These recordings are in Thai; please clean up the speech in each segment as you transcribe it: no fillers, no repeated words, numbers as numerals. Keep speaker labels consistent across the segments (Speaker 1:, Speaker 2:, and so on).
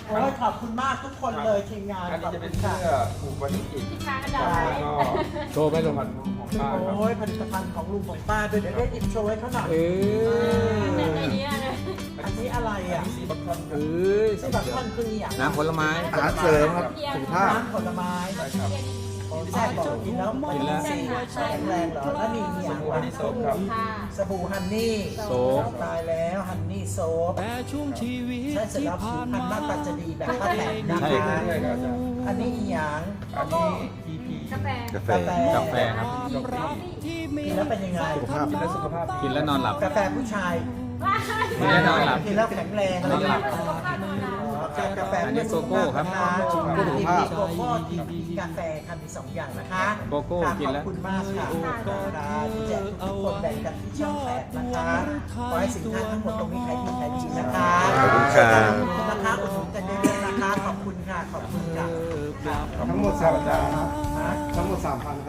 Speaker 1: โอ้ยขอบคุณมากทุกคนเลยทีมงาน
Speaker 2: อัน
Speaker 1: ข
Speaker 2: นี้
Speaker 1: อบ
Speaker 2: จะเป็
Speaker 1: คุ
Speaker 2: น
Speaker 1: ณ
Speaker 2: เสื้
Speaker 1: ค่ะ
Speaker 2: อผูกวันที่จิต
Speaker 3: ที่ค้างกันได้
Speaker 2: แล้วก็
Speaker 4: โชว์ไหมลุง
Speaker 2: พันของป้าครับ
Speaker 1: โอ้ยผลิตภัณฑ์ของลุงของป้าด้วยเดี๋ยวได้หยิบโชว์ให้เขาหน่อย
Speaker 3: แต่ในนี้เลย
Speaker 1: อันนี้อะไรอ่ะ
Speaker 2: สีบัคคอนค
Speaker 4: เอ
Speaker 2: รับ้
Speaker 4: ย
Speaker 1: ที่แบบท่อนคืออย่าง
Speaker 4: น้ำผลไม้
Speaker 5: อาหารเสริมครับสุขภาพ
Speaker 1: น้ำผลไม้
Speaker 2: ใช่ครับ
Speaker 1: แซ่บบอกกินแล้วไม่ต้องสีแข็งแรงเหรอแล้วมีอย่าง
Speaker 2: วันนี้โซมครับ
Speaker 3: ค่ะ
Speaker 1: สบู่ฮันนี่
Speaker 4: โซฟ
Speaker 1: ตายแล้วฮันนี่โซฟ
Speaker 6: แต่ช่วงชีวิต
Speaker 1: ใช่เสร็จ
Speaker 6: ที่
Speaker 1: แล้วผิ
Speaker 6: ผ่า
Speaker 1: วน พรรณหน้า
Speaker 6: มา
Speaker 1: ตาจะดีแบบป้าแตนนะ
Speaker 4: ใช่
Speaker 1: คะ
Speaker 2: ใช่ครับอาจารย์
Speaker 1: อันนี้อีหยาง
Speaker 2: อันนี้ EP
Speaker 3: กาแฟ
Speaker 5: กาแฟ
Speaker 4: กาแฟครับ
Speaker 6: รักที่มี
Speaker 1: กินแล้วเป็นยังไง
Speaker 5: สุขภาพ
Speaker 2: กินแล้วสุขภาพดี
Speaker 4: กินแล้วนอนหลับ
Speaker 1: กาแฟผู้ชาย
Speaker 4: กินแล้วนอนหลับ
Speaker 1: กินแล้วแข็งแรง
Speaker 4: นอนหลับ
Speaker 1: กาแฟ
Speaker 4: อันนี้โกโก้ครับ
Speaker 1: โกโก้โกโก้ทีกาแฟค่ะมี2อย่างนะคะ
Speaker 4: โกโก้กินแล้ว
Speaker 1: ขอบคุณมากค่ะแจกทุกคนแบ่งกันที่ช่อง8นะคะขอให้สินค้าทั้งหมดตรงนี้ขายดีขายดีนะคะ
Speaker 5: ขอบคุณครับ
Speaker 1: นะคะอุดหนุนกันเยอะๆนะคะขอบคุณค่ะขอบคุณค่ะ
Speaker 5: ทั้งหมด3อาจารย์ครับทั้งหมด 3,000 ครับ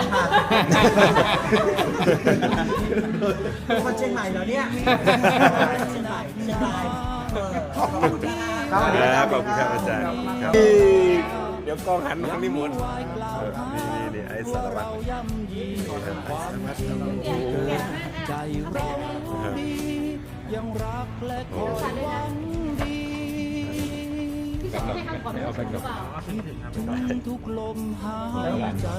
Speaker 1: คนเชียงใหม่เหรอเนี่ยเชียงใหม่ขอบคุณนะคะ
Speaker 5: ขอบคุณครับอาจารย์ครับ เดี๋ยวกล้องหันมาทางนี้หมดนี่ไอ้สารวัตร
Speaker 6: ย่ำยีความจริงใจเราดียังรักและคอยหวังดี
Speaker 3: ให้คำขอบคุณหรือเปล่า
Speaker 6: ทุกลมหายใจ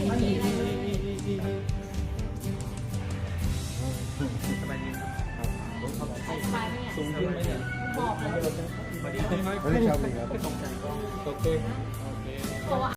Speaker 3: สบายไหมเนี่ยบอกเลย
Speaker 5: ไม่ได้ชอบเลยครับ
Speaker 4: โอเค
Speaker 3: ตัว